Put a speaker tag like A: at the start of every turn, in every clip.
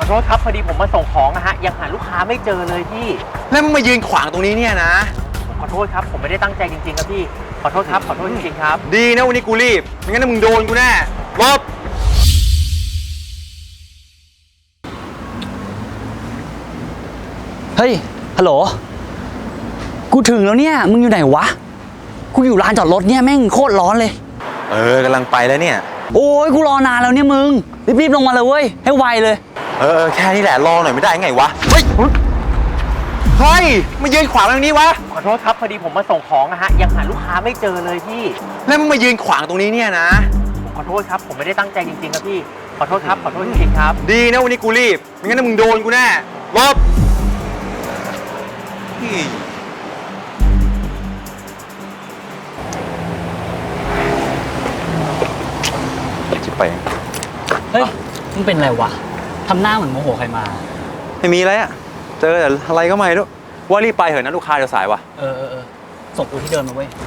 A: อโทษครับพอดีผมมาส่งของนะฮะยังหาลูกค้าไม่เจอเลยพี่
B: แล้วมึงมายืนขวางตรงนี้เนี่ยนะ
A: ขอโทษครับผมไม่ได้ตั้งใจจริงๆครับพี่ขอโทษครับขอโทษจริงๆครับ
B: ดีนะวันนี้กูรีบไม่งั้นมึงโดนกูแน่ลบ
C: เฮ้ยฮัลโหลกูถึงแล้วเนี่ยมึงอยู่ไหนวะกูอยู่ลานจอดรถเนี่ยแม่งโคตรร้อนเลย
B: กำลังไปแล้วเนี่ย
C: โอ้ยกูรอนานแล้วเนี่ยมึงรีบๆลงมาเลยเว้ยให้ไวเลย
B: แค่นี้แหละรอหน่อยไม่ได้ไงวะเฮ้ยมายืนขวางตรงนี้วะ
A: ขอโทษครับพอดีผมมาส่งของนะฮะยังหาลูกค้าไม่เจอเลยพี่
B: แล้วมึงมายืนขวางตรงนี้เนี่ยนะ
A: ขอโทษครับผมไม่ได้ตั้งใจจริงๆครับพี่ขอโทษครับขอโทษจริงๆครับ
B: ดีนะวันนี้กูรีบไม่งั้นมึงโดนกูแน่ลบจะไป
C: เฮ้ยมึงเป็นไรวะทำหน้าเหมือนโมโหใครมา
B: ไม่มีอะไรอะเจอแต่อะไรก็ไม่รู้ว่ารีบไปเถอะนะลูกค้าเดี๋ยวสายวะ
C: ส่งกูที่เดิมมาเว้ย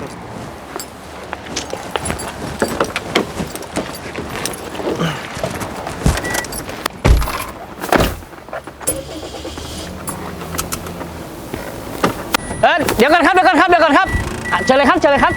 C: เดี๋ยวก่อนครับเชิญเลยครับแล้ว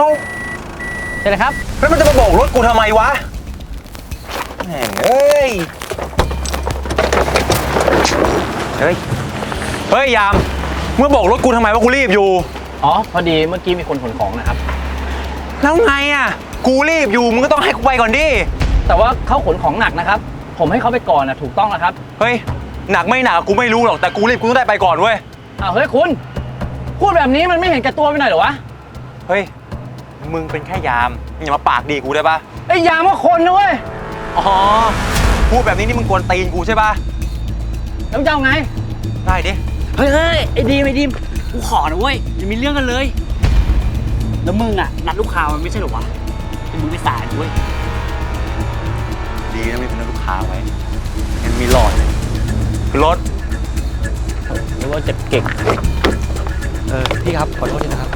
B: มันจะมาโบกรถกูทำไมวะแหม่งเฮ้ยยามเมื่อโบกรถกูทำไมวะกูรีบอยู่
C: อ๋อพอดีเมื่อกี้มีคนขนของนะครับ
B: แล้วไงอ่ะกูรีบอยู่มึงก็ต้องให้กูไปก่อนดิ
C: แต่ว่าเขาขนของหนักนะครับผมให้เขาไปก่อนนะถูกต้องแล้วครับ
B: เฮ้ยหนักไม่หนักกูไม่รู้หรอกแต่กูรีบกูต้องได้ไปก่อนเว้ย
C: เฮ้ยคุณพูดแบบนี้มันไม่เห็นแก่ตัวไปหน่อยเหรอวะ
B: เฮ้ยมึงเป็นแค่ยามอย่ามาปากดีกูได้ปะ
C: ไอ้ยามว่าคนนะเว้ย
B: อ๋อพูดแบบนี้นี่มึงกวนตีนกูใช่ปะ
C: แล้วจะเอาไง
B: ได้ดิ
C: เฮ้ยไอ้ดีมกูขอนะเว้ยอย่ามีเรื่องกันเลยแล้วมึงอ่ะนัดลูกค้ามันไม่ใช่หรอวะเป็นมึงไปสายนะเว้ย
B: ดีนะไม่เป็นลูกค้าไว้งั้นมีหลอดเลยคือรถ
C: หรือว่าจะเก่งพี่ครับขอโทษทีนะครับ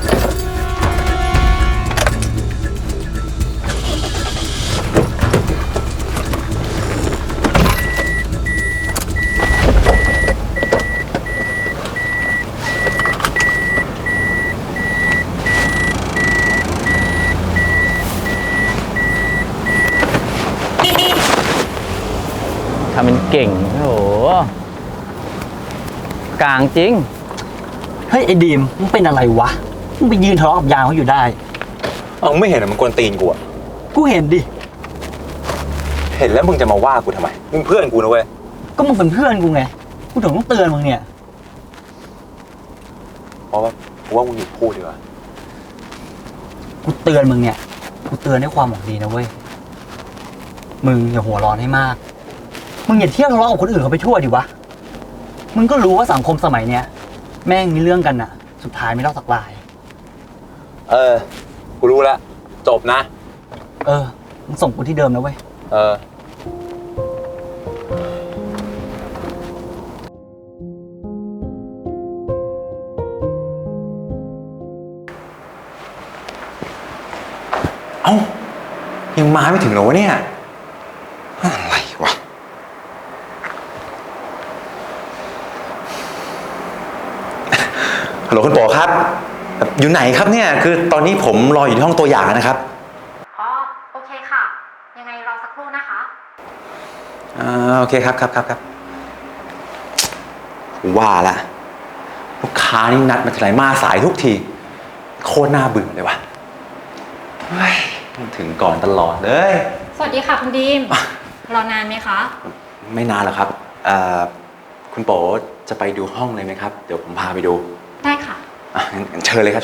C: ทำเป็นเก่งโอ้โหกลางจริงเฮ้ยไอ้ดีมมึงเป็นอะไรวะมึงไปยืนทะเลาะกับยามเขาอยู่ได้
B: มึงไม่เห็นมันกวนตีนกูอะ
C: กูเห็นดิ
B: เห็นแล้วมึงจะมาว่ากูทำไมมึงเพื่อนกูนะเว้ย
C: ก็มึงเป็นเพื่อนกูไงกูถึงต้องเตือนมึงเนี่ย
B: เพราะว่ากูว่ามึงหยุดพูดดีกว่า
C: กูเตือนมึงเนี่ยกูเตือนด้วยความหวังดีนะเว้ยมึงอย่าหัวร้อนให้มากมึงอย่าเที่ยวทะเลาะกับคนอื่นเขาไปทั่วดิวะมึงก็รู้ว่าสังคมสมัยเนี้ยแม่งมีเรื่องกันน่ะสุดท้ายไม่รอดสักราย
B: กูรู้แล้วจบนะ
C: มึงส่งกูที่เดิมนะเว้ย
B: ยังมาไม่ถึงเหรอวะเนี่ยอะไรวะฮัลโหลคุณโป๋ครับอยู่ไหนครับเนี่ยคือตอนนี้ผมรออยู่ที่ห้องตัวอย่างนะครับ
D: โอเคค่ะยังไงรอสักครู่นะคะ
B: โอเคครับว่าละลูกค้านี่นัดมาทีไรมาสายทุกทีโคตรน่าเบื่อเลยวะถึงก่อนตลอดเลย
D: สวัสดีค่ะคุณดีมรอนานไหมคะ
B: ไม่นานหรอกครับคุณโป๋จะไปดูห้องเลยไหมครับเดี๋ยวผมพาไปดู
D: ได้ค่ะ
B: งั้นเชิญเลยครับ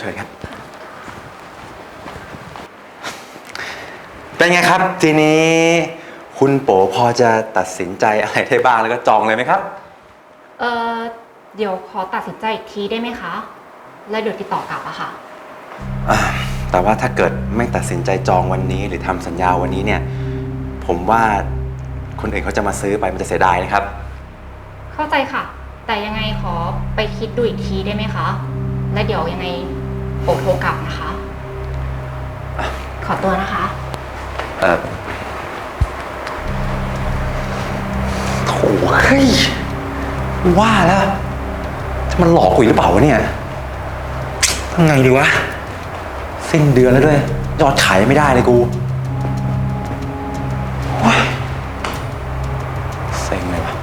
B: เป็นไงครับทีนี้คุณโป๋พอจะตัดสินใจอะไรได้บ้างแล้วก็จองเลยไหมครับ
D: เดี๋ยวขอตัดสินใจอีกทีได้ไหมคะแล้วเดี๋ยวติดต่อกลับอะค่ะ
B: แต่ว่าถ้าเกิดไม่ตัดสินใจจองวันนี้หรือทำสัญญาวันนี้เนี่ยผมว่าคนอื่นเขาจะมาซื้อไปมันจะเสียดายนะครับ
D: เข้าใจค่ะแต่ยังไงขอไปคิดดูอีกทีได้ไหมคะและเดี๋ยวยังไงโทรกลับนะคะขอตัวนะคะ
B: โถ่เฮ้ยว่าแล้วมันหลอกกูอีกหรือเปล่าวะเนี่ยทำไงดีวะสิ้นเดือนแล้วด้วยยอดขายไม่ได้เลยกูโอ้ยเซ็งเลยวะ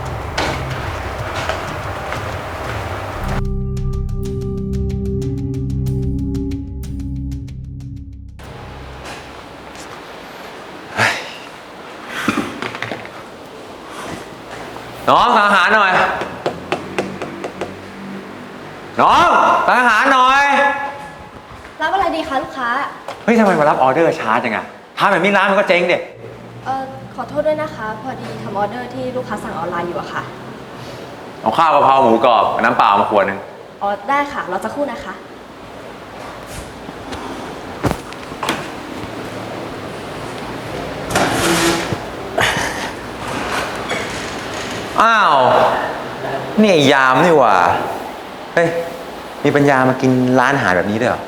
B: น้องสั่งอาหารหน่อยน้องสั่งอาหารหน่อย
E: รับอะไรดีคะลูกค้า
B: เฮ้ยทำไมมารับออเดอร์ช้าจังอะทำแบบนี้ร้านมันก็เจ๊งเด็
E: ขอโทษด้วยนะคะ พอดีทำออเดอร์ที่ลูกค้าสั่งออนไลน์อยู่อะค่ะ
B: เอาข้าวกะเพราหมูกรอบกับน้ำเปล่ามาขวดหนึ่ง
E: อ๋อ ได้ค่ะ เราจะครู่นะคะ
B: อ้าวนี่ไอ้ยามนี่หว่าเฮ้ยมีปัญญามากินร้านอาหารแบบนี้ด้วยเหรอ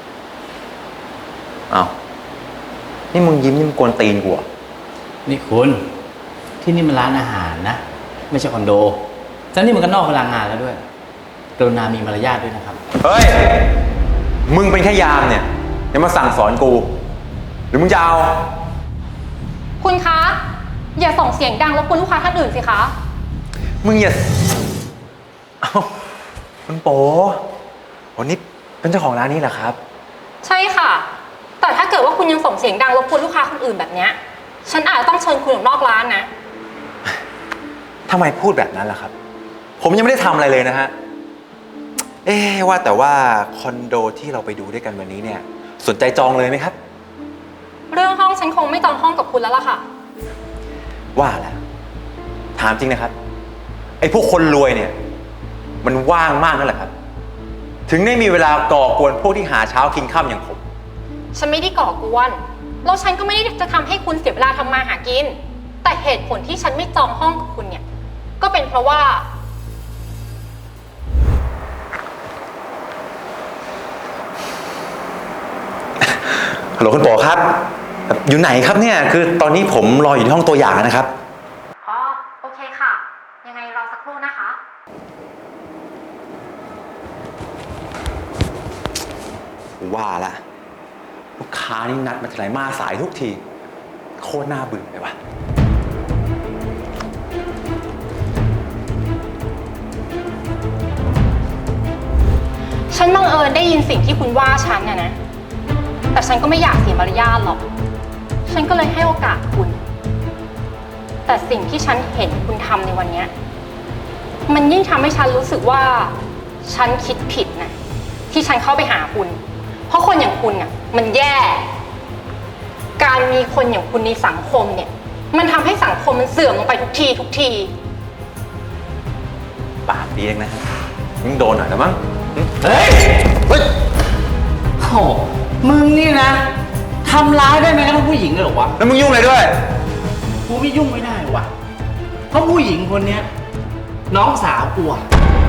B: อ้าวนี่มึงยิ้มนี่มึงกวนตีนกูเหรอ
F: นี่คุณที่นี่มันร้านอาหารนะ ไม่ใช่คอนโดแล้วนี่มันก็นอกเวลางานแล้วด้วยกรุณามีมารยาทด้วยนะครับ
B: เฮ้ยมึงเป็นแค่ยามเนี่ยอย่ามาสั่งสอนกู หรือมึงจะเอา
D: คุณคะ อย่าส่งเสียงดังรบกวนลูกค้าท่านอื่นสิคะ
B: มึงอย่าเอ้าคุณโป๋วันนี้เป็นเจ้าของร้านนี้เหรอครับ
D: ใช่ค่ะ แต่ถ้าเกิดว่าคุณยังส่งเสียงดังรบกวนลูกค้าคนอื่นแบบเนี้ยฉันอาจจะต้องเชิญคุณออกนอกร้านนะ
B: ทำไมพูดแบบนั้นล่ะครับ ผมยังไม่ได้ทำอะไรเลยนะฮะ ว่าแต่ว่าคอนโดที่เราไปดูด้วยกันวันนี้เนี่ย สนใจจองเลยไหมครับ
D: เรื่องห้องฉันคงไม่จองห้องกับคุณแล้วล่ะค่ะ
B: ว่าแล้วถามจริงนะครับ ไอ้พวกคนรวยเนี่ย มันว่างมากนั่นแหละครับ ถึงได้มีเวลาก่อกวนพวกที่หาเช้ากินค่ำอย่างผม
D: ฉันไม่ได้ก่อกวนแล้วฉันก็ไม่ได้จะทำให้คุณเสียเวลาทำมาหากิน แต่เหตุผลที่ฉันไม่จองห้องกับคุณเนี่ย ก็เป็นเพราะว่า
B: ฮัลโหลคุณโป๋ครับ อยู่ไหนครับเนี่ย คือตอนนี้ผมรออยู่ที่ห้องตัวอย่างนะครับ
D: อ๋อ โอเคค่ะ ยังไงรอสักครู่นะคะ
B: ว่าละลูกค้านี่นัดมาทีไรมาสายทุกที โคตรน่าเบื่อเลยว่ะ
D: ฉันบังเอิญได้ยินสิ่งที่คุณว่าฉันนะ แต่ฉันก็ไม่อยากเสียมารยาทหรอก ฉันก็เลยให้โอกาสคุณ แต่สิ่งที่ฉันเห็นคุณทำในวันเนี้ยมันยิ่งทำให้ฉันรู้สึกว่าฉันคิดผิดนะที่ฉันเข้าไปหาคุณ เพราะคนอย่างคุณน่ะมันแย่ การมีคนอย่างคุณในสังคมเนี่ย มันทำให้สังคมมันเสื่อมลงไปทุกที
B: ปากดีเองนะมึงโดนหน่อยนะมั้ง
F: เฮ้ย
B: เฮ้ย
F: โอ้มึงนี่นะทำร้ายได้ไหมกระทั่งผู้หญิงเลยเหรอวะ
B: แล้วมึงยุ่งอะไรด้วย
F: กูไม่ยุ่งไม่ได้วะเพราะผู้หญิงคนเนี้ยน้องสาวกูอะ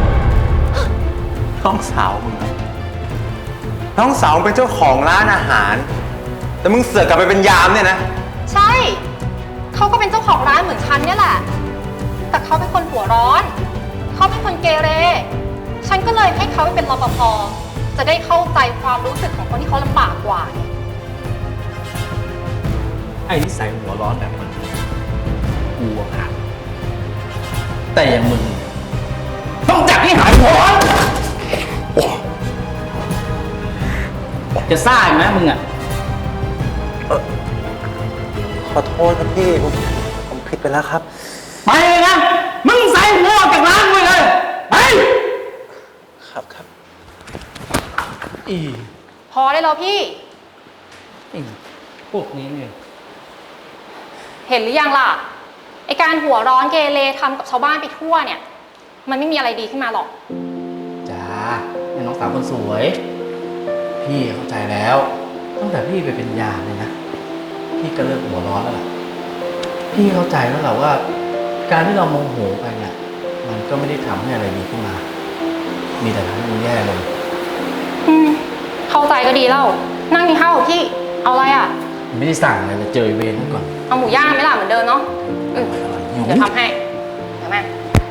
B: น้องสาวมึงอะน้องสาวมึงเป็นเจ้าของร้านอาหาร แต่มึงเสือกกลับไปเป็นยามเนี่ยนะ
D: ๆ ใช่ เขาก็เป็นเจ้าของร้านเหมือนฉันเนี่ยแหละ แต่เขาเป็นคนหัวร้อน เขาเป็นคนเกเร ฉันก็เลยให้เขาไปเป็นรปภ จะได้เข้าใจความรู้สึกของคนที่เขาลำบากกว่าไง
F: ไอ้นิสัยหัวร้อนแบบมันกูอะหักแต่อย่างมึงต้องจับให้หายหัวร้อนจะซ่าอีกไหมมึงอะ
B: ขอโทษครับพี่ ผมผิดไปแล้วครับ
F: ไปเลยนะ มึงใส่หัวออกจากร้านกูเลย ไป
B: ครับครับ
F: อี
D: พอได้แล้วพี่
F: พวกนี้เนี่ย
D: เห็นหรือยังล่ะ ไอการหัวร้อนเกเรทำกับชาวบ้านไปทั่วเนี่ย มันไม่มีอะไรดีขึ้นมาหรอก
F: จ้าแม่น้องสาวคนสวย พี่เข้าใจแล้วตั้งแต่พี่ไปเป็นยามเลยนะ พี่ก็เลิกหัวร้อนแล้วล่ะ พี่เข้าใจแล้วแหละว่า การที่เราโมโหไปเนี่ยมันก็ไม่ได้ทำให้อะไรดีขึ้นมา มีแต่ทำให้มันแย่ลง
D: เข้าใจก็ดีแล้ว นั่งกินข้าวกับพี่ เอาอะไรอ่ะ
F: ไม่ได้สั่งอะไรเลยเจอเวรนั่นก่อน
D: เอาหมูย่างไหมล่ะเหมือนเดิมเนาะ
F: หิว
D: เดี๋ยวทำให้
F: ห
D: มา